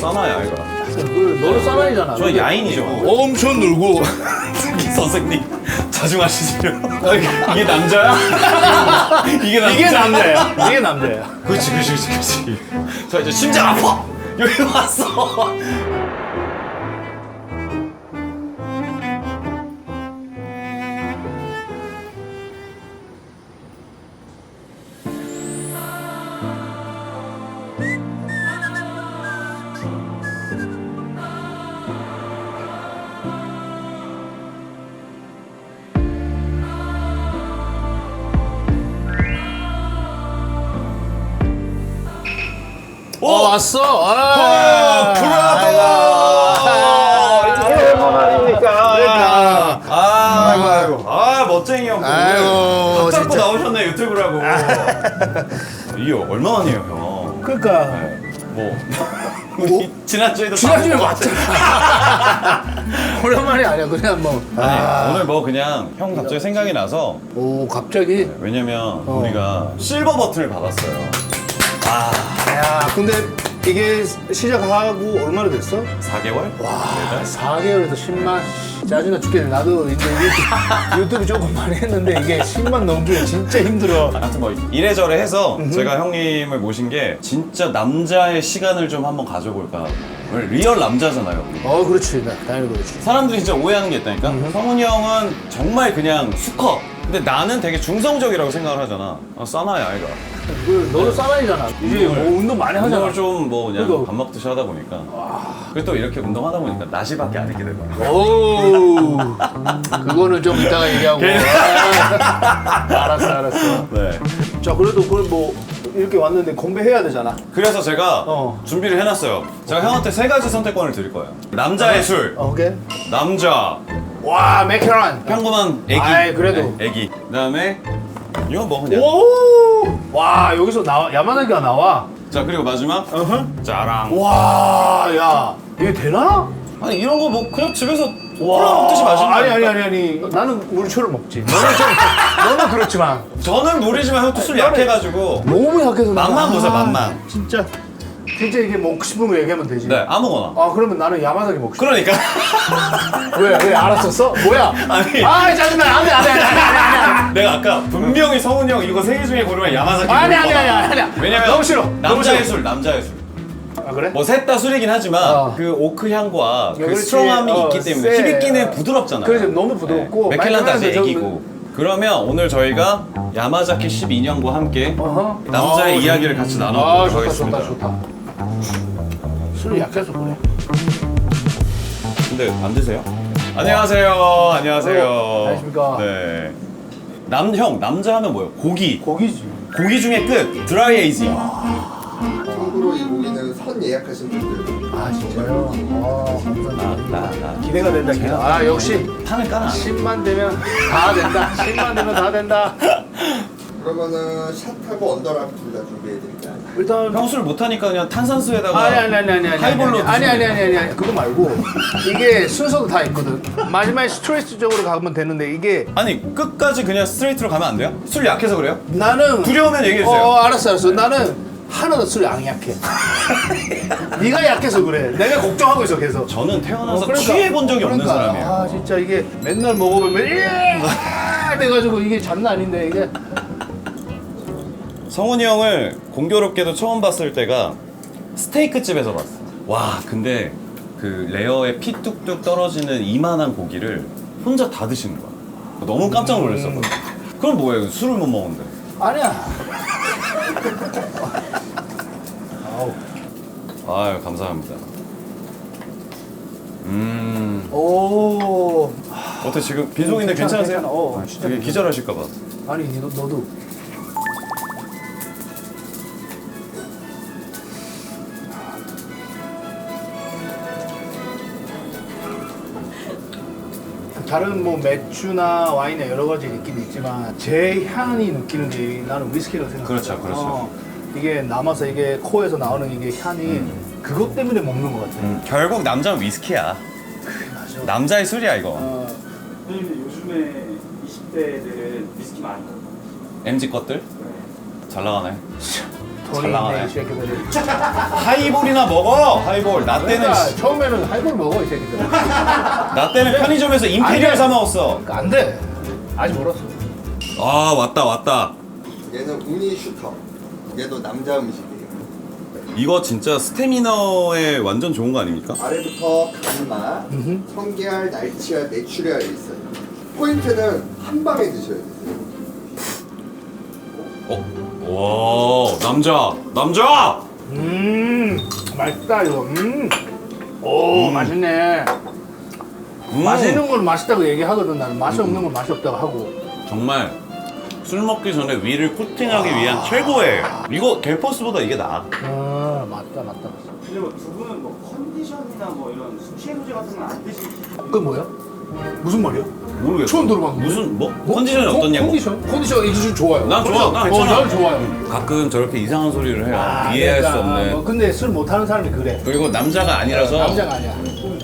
사나야 이거. 너는 사나이잖아. 저 야인이죠. 엄청 늘고. 선생님 자중하시지요. 이게 남자야? 이게 남자야? 이게 남자야. 이게 남자야. 그렇지. 저 이제 심장 아파. 여기 왔어. 왔어. 얼마만입니까? 아이고. 멋쟁이 형. 아이고, 각 잡고 진짜. 나오셨네 유튜브라고. 이게 얼마만이에요 형? 그러니까 뭐 우리 지난주에도 지난주에 다 왔잖아. 오랜만이 아니야. 그냥 뭐. 아니 오늘 뭐 그냥 형 갑자기 생각이 나서. 오 갑자기. 왜냐면 우리가 실버 버튼을 받았어요. 야 근데 이게 시작하고 얼마나 됐어? 4개월? 와 4개월에서 10만 짜증나 죽겠네. 나도 이제 유튜브 조금 많이 했는데 이게 10만 넘기가 진짜 힘들어. 아무튼 뭐 이래저래 해서 제가 형님을 모신 게 진짜 남자의 시간을 좀 한번 가져볼까. 오늘 리얼 남자잖아요. 우리. 그렇지. 당연히 그렇지. 사람들이 진짜 오해하는 게 있다니까. 성훈이 형은 정말 그냥 수컷. 근데 나는 되게 중성적이라고 생각을 하잖아. 싸나야 아이가. 너는 사나이잖아. 이제 뭐 운동 많이 하잖아. 운동을 좀 뭐 그냥 그러니까. 밥 먹듯이 하다 보니까. 그리고 또 이렇게 운동하다 보니까 나시밖에 안 입게 되더라고. 오 그거는 좀 이따가 얘기하고. 알았어. 네. 자 그래도 그걸 뭐 이렇게 왔는데 공부해야 되잖아. 그래서 제가 어. 준비를 해놨어요. 제가 형한테 3가지 선택권을 드릴 거예요. 남자의 술, 오케이. 남자, 와 맥케런. 평범한 애기. 아이, 그래도. 네, 애기. 그다음에 이건 뭐 그냥. 오. 와 여기서 나와 야마나기가 나와. 자 그리고 마지막 짜랑. 와 야 이게 되나? 아니 이런 거 뭐 그냥 집에서 콜라 먹듯이 마시는 거. 아니 나는 물초를 먹지. 너는 그렇지만 저는 노리지만 형 또 술 약해가지고. 너무 약해서 맛만 보세요, 맛만. 진짜 이게 먹고 싶은 거 얘기하면 되지. 네 아무거나. 그러면 나는 야마나기 먹고 싶어. 그러니까. 왜 알았었어? 뭐야? 아니. 짜증나. 안돼. 내가 아까 분명히 성훈이 형 이거 3개 중에 고르면 야마자키. 아니. 왜냐면 너무 싫어. 남자의 술. 그래? 뭐 셋 다 술이긴 하지만 그 오크 향과 그 그렇지. 스트롱함이 있기 때문에 세. 히비키는 부드럽잖아요. 그래서 너무 부드럽고 맥켈란까지 많이 애기고. 그러면 오늘 저희가 야마자키 12년과 함께 남자의 이야기를 같이 나눠보도록 하겠습니다. 좋다. 술이 약해서 그래. 근데 안 드세요? 안녕하세요. 안녕하십니까. 네. 남자 하면 뭐예요? 고기. 고기지. 고기 중에 끝. 드라이 에이징. 참고로 이 고기는 선 예약하신 분들 진짜요? 감사합니다. 나 기대가 된다. 기대. 역시 판을 까나. 10만 되면 다 된다. 10만 되면 다 된다. 그러면은 샷하고 언더랍 둘 다 준비해드릴까요? 일단 형 술 못하니까 그냥 탄산수에다가 아니 하이볼로 아니 그거 말고 이게 순서도 다 있거든. 마지막에 스트레스적으로 가면 되는데 이게 아니 끝까지 그냥 스트레이트로 가면 안 돼요? 술 약해서 그래요? 나는 두려우면 얘기해주세요. 알았어. 나는 하나도 술이 안 약해. 네가 약해서 그래. 내가 걱정하고 있어 계속. 저는 태어나서 취해본 적이 없는 사람이에요. 진짜 이게 맨날 먹어보면 돼가지고 이게 장난 아닌데 이게. 성훈이 형을 공교롭게도 처음 봤을 때가 스테이크 집에서 봤어. 와 근데 그 레어에 피 뚝뚝 떨어지는 이만한 고기를 혼자 다 드시는 거야. 너무 깜짝 놀랐었거든. 그럼 뭐예요? 술을 못 먹는데. 아니야. 아유 감사합니다. 오. 어때 지금 빈속인데 괜찮으세요? 괜찮아. 진짜 되게 기절하실까봐. 아니 너도. 다른 뭐 맥주나 와인이나 여러 가지 있긴 있지만 제 향이 느끼는 게 나는 위스키라고 생각해. 그렇죠. 이게 남아서 이게 코에서 나오는 이게 향이 그것 때문에 먹는 것 같아. 결국 남자는 위스키야. 맞아. 남자의 술이야 이거. 선생님들 요즘에 20대들은 위스키 많이 먹어요. MZ 것들 잘 나가네. 돈이 나가네. 있네 이 새끼들이. 하이볼이나 먹어. 하이볼. 나 때는 그러니까 처음에는 하이볼 먹어 이 새끼들. 나 때는 편의점에서 임페리얼 사 먹었어. 그러니까 안 돼. 아직 멀었어. 아 왔다. 얘는 우니 슈터. 얘도 남자 음식이에요. 이거 진짜 스태미너에 완전 좋은 거 아닙니까? 아래부터 간마, 성게알, 날치알, 메추리알이 있어요. 포인트는 한 방에 드셔야 돼요. 와 남자. 맛있다 이거. 오 맛있네. 맛있는 건 맛있다고 얘기하거든. 나는 맛이 없는 건 맛이 없다고 하고. 정말 술 먹기 전에 위를 코팅하기 위한 최고예요. 이거 갤퍼스보다 이게 나아. 아 맞다. 근데 뭐 두 분은 뭐 컨디션이나 뭐 이런 수시소재 같은 건 안 드시고 그 뭐야? 무슨 말이야? 모르겠어. 처음 들어봤는데. 무슨 컨디션이 어떻냐고. 컨디션 이게 좋아요. 난 좋아. 난 괜찮아. 난 좋아요. 가끔 저렇게 이상한 소리를 해요. 이해할 수 없는. 뭐 근데 술 못하는 사람이 그래. 그리고 남자가 아니라서 남자가 아니야.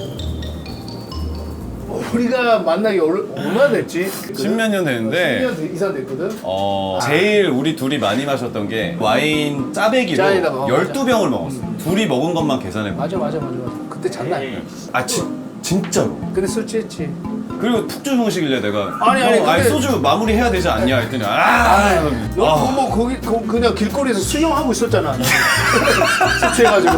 우리가 만나기 얼마나 됐지? 십몇 년 됐는데 10년 이상 됐거든. 제일 우리 둘이 많이 마셨던 게 와인 짜배기로 짜에다가, 12병을 먹었어. 둘이 먹은 것만 계산해 봐. 맞아. 그때 장난 아니야. 진짜로. 근데 술 취했지. 그리고 푹 주무시길래 내가 아니, 근데- 소주 마무리 해야 되지 않냐 했더니 뭐 거기 그냥 길거리에서 수영하고 있었잖아. 술 취해가지고.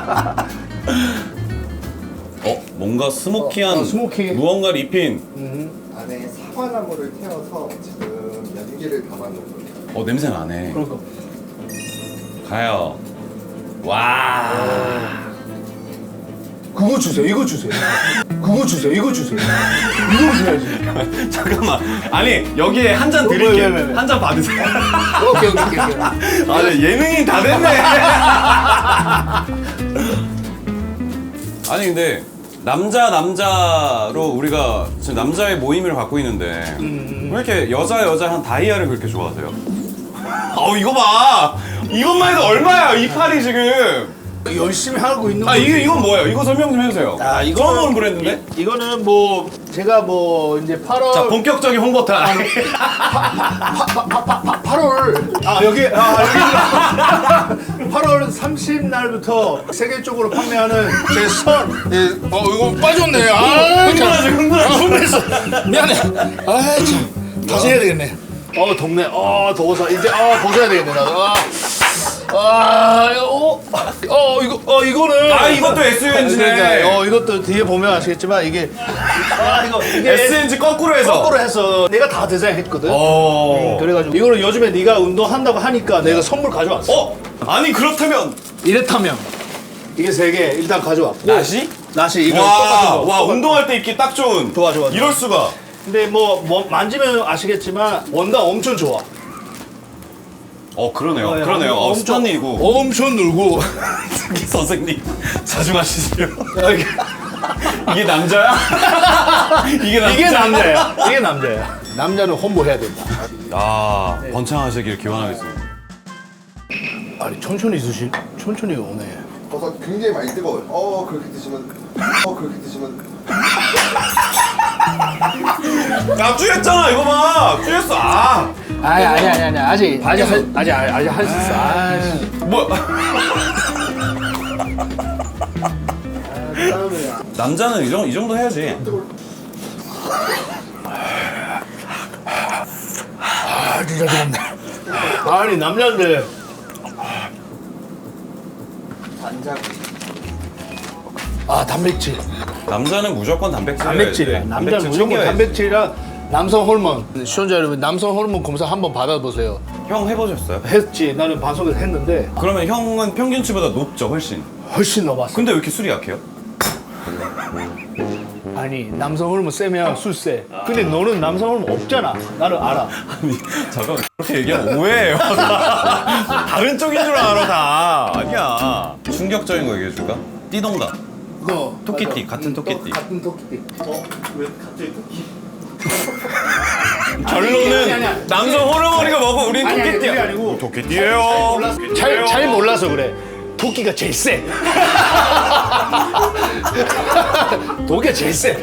뭔가 스모키한 스모키. 무언가를 입힌 안에 사과나무를 태워서 지금 연기를 담아놓은 거예요. 냄새 나네. 그러니까. 가요. 와. 그거 주세요. 이거 주세요. 이거 줘야지. 잠깐만. 아니 여기에 한 잔 왜? 드릴게요. 한 잔 받으세요. 오케이. 예능이 다 됐네. 아니 근데 남자로 우리가 지금 남자의 모임을 갖고 있는데 왜 이렇게 여자 한 다이아를 그렇게 좋아하세요? 이거 봐. 이것만 해도 얼마야 이 팔이 지금. 열심히 하고 있는 거지. 이건 뭐예요? 이거 설명 좀 해주세요. 처음 보는 브랜드인데? 이거는 뭐 제가 뭐 이제 8월 자 본격적인 홍보 타임. 8월 여기 8월 30날부터 세계적으로 판매하는 제 선. 이거 빠졌네. 흥분했어. 미안해. 참 다시 해야 되겠네. 덥네. 더워서 이제 벗어야 되겠네 나도. 이거는 이것도 SUNG네. 그러니까, 이것도 뒤에 보면 아시겠지만 이게 이게 SNG 거꾸로 해서. 내가 다 디자인했거든. 어. 그래가지고 이거는 요즘에 네가 운동한다고 하니까 내가 선물 가져왔어. 아니 그렇다면 이렇다면 이게 3개 일단 가져왔고. 나시 이거 똑같은 거. 와 운동할 때 입기 딱 좋은. 좋아. 이럴 수가. 근데 뭐 만지면 아시겠지만 원단 엄청 좋아. 그러네요. 스탄이고. 엄청 늘고. 선생님 자주 마시세요. 이게 남자야? 이게 남자야? 이게 남자야. 남자는 홍보해야 된다. 번창하시길 기원하겠습니다. 아니 천천히 오네. 버섯 굉장히 많이 뜨거워요. 그렇게 드시면 나 쭈였잖아 이거 봐. 쭈였어. 아니 아직 할 수 있어. 뭐? 남자는 이 정도 해야지. 진짜 좋네. 아니 남자인데 간장. 단백질. 남자는 무조건 단백질이야. 단백질이야. 남자는 무조건 단백질이랑 남성 호르몬. 시청자 여러분, 남성 호르몬 검사 한번 받아보세요. 형 해보셨어요? 했지. 나는 방송에서 했는데 그러면 형은 평균치보다 높죠 훨씬. 훨씬 넘었어. 근데 왜 이렇게 술이 약해요? 아니 남성 호르몬 세면 술 세. 근데 너는 남성 호르몬 없잖아. 나를 알아. 아니 잠깐만 그렇게 얘기하면 오해해요. 다른 쪽인 줄 알아 다. 아니야. 충격적인 거 얘기해줄까? 띠동갑. 너 토끼띠 같은 토끼띠. 같은 토끼띠. 왜 갑자기 토끼? 결론은 아니야. 남성 호르몬이가 뭐고 우린 아니, 토끼띠야. 그게 아니고 토끼띠예요. 잘 몰라서 그래. 토끼가 제일 세. 토끼가 제일 세.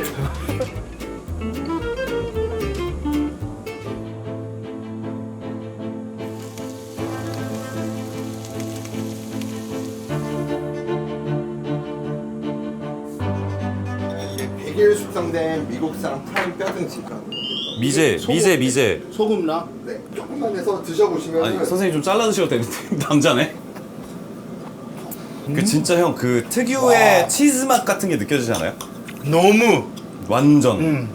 독일 숙성된 미국산 프라임 뼈등심가. 미제. 소금 나? 네, 조금만 해서 드셔보시면 아니 선생님 좀 잘라 드셔도 되는데 남자네. 그 진짜 형 그 특유의 치즈 맛 같은 게 느껴지지 않아요? 너무. 완전.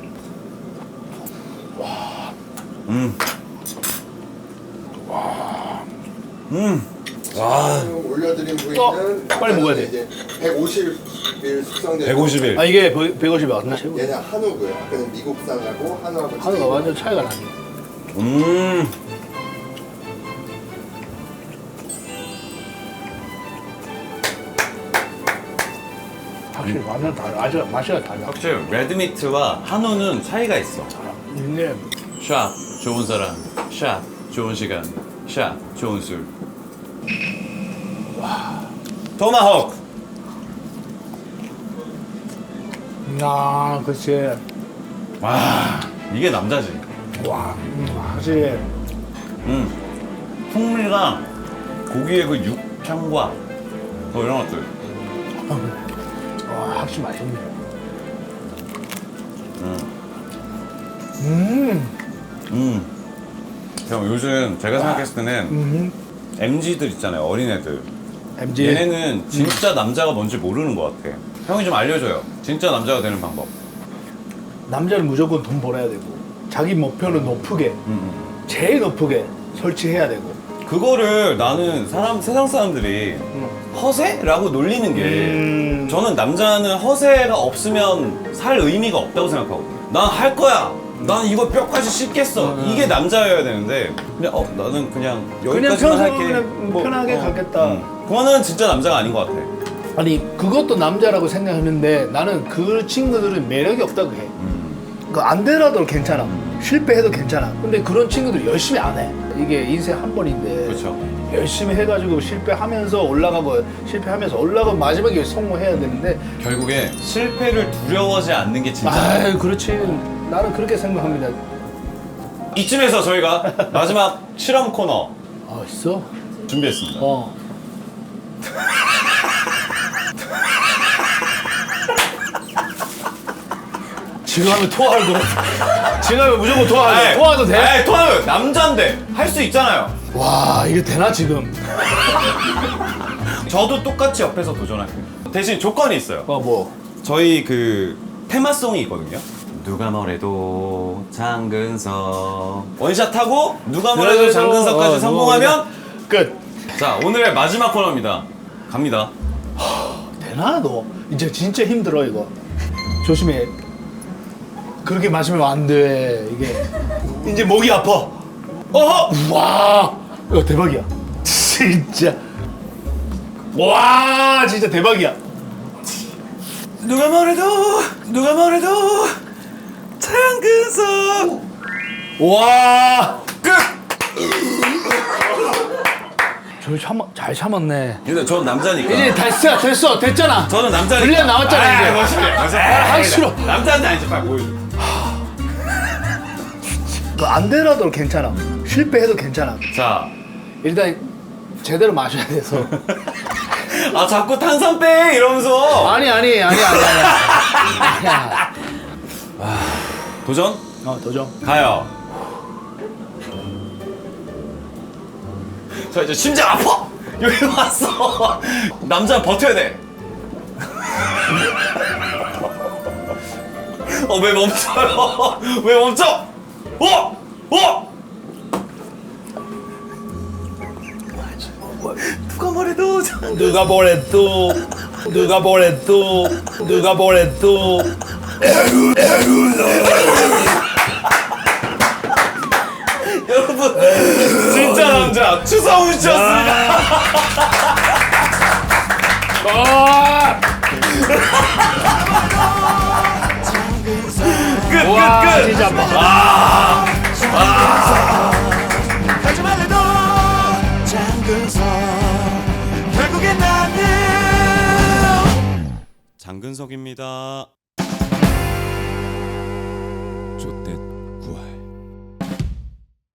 와. 올려드린 부위는 빨리 먹어야 돼. 이제 150일 숙성된 150일. 아 이게 150이 맞나? 얘는 한우고요. 아까는 미국산하고 한우하고 한우가 완전 차이가 나네. 확실히 완전 달라. 맛이 달라. 확실히 레드미트와 한우는 차이가 있어. 근데 샷 좋은 사람, 샷 좋은 시간, 샷 좋은 술. 와. 토마호크. 그치. 와 이게 남자지. 와, 확실히. 풍미가 고기의 그 육향과 뭐 이런 것들. 와, 확실히 맛있네. 형 요즘 제가 생각했을 때는 MZ들 있잖아요, 어린애들. MG. 얘네는 진짜 남자가 뭔지 모르는 것 같아. 형이 좀 알려줘요. 진짜 남자가 되는 방법. 남자는 무조건 돈 벌어야 되고, 자기 목표는 높게, 제일 높게 설치해야 되고. 그거를 나는 세상 사람들이 허세라고 놀리는 게 저는 남자는 허세가 없으면 살 의미가 없다고 생각하고 난 할 거야. 난 이거 뼈까지 씹겠어. 이게 남자여야 되는데 그냥 나는 그냥 여기까지만 평소 할게. 그냥 편하게 가겠다. 그거는 진짜 남자가 아닌 것 같아. 아니, 그것도 남자라고 생각하는데 나는 그 친구들은 매력이 없다고 해. 그 안 되라도 괜찮아. 실패해도 괜찮아. 근데 그런 친구들 열심히 안 해. 이게 인생 한 번인데. 그렇죠. 열심히 해가지고 실패하면서 올라가고 실패하면서 올라가고 마지막에 성공해야 되는데. 결국에 실패를 두려워하지 않는 게 진짜. 아, 그렇지. 나는 그렇게 생각합니다. 이쯤에서 저희가 마지막 실험 코너 아, 있어? 준비했습니다. 지금 하면 토할 거. 지금 하면 무조건 토할 에이, 거. 토해도 돼? 에이, 토하요. 남잔데 할 수 있잖아요. 와, 이게 되나 지금? 저도 똑같이 옆에서 도전할게요. 대신 조건이 있어요. 뭐? 저희 그 테마송이 있거든요. 누가 뭐래도 장근석 원샷하고 누가 뭐래도 장근석까지 성공하면 끝. 자 오늘의 마지막 코너입니다. 갑니다. 되나 너? 이제 진짜 힘들어 이거. 조심해. 그렇게 마시면 안 돼. 이게 이제 목이 아파. 와, 이거 대박이야. 진짜. 와, 진짜 대박이야. 누가 뭐래도 장근석 와, 끝. 잘 참았네. 근데 전 남자니까. 이제 됐잖아. 저는 남자니까. 분량 나왔잖아, 이제. 멋있게. 하기 싫어. 남자한테 아니지 빨리 보여줘. 안 되라도 괜찮아. 실패해도 괜찮아. 자, 일단 제대로 마셔야 돼서. 아 자꾸 탄산 빼 이러면서. 아니야. 도전 도전. 가요. 저 이제 심장 아파. 여기 왔어. 남자 버텨야 돼. 왜 멈춰요? 왜 멈춰? 누가 뭐래도 여러분 진짜 남자 추성훈 씨였습니다. 끝. 진짜 아파. 하지 말래도 장근석 결국엔 나는 장근석입니다.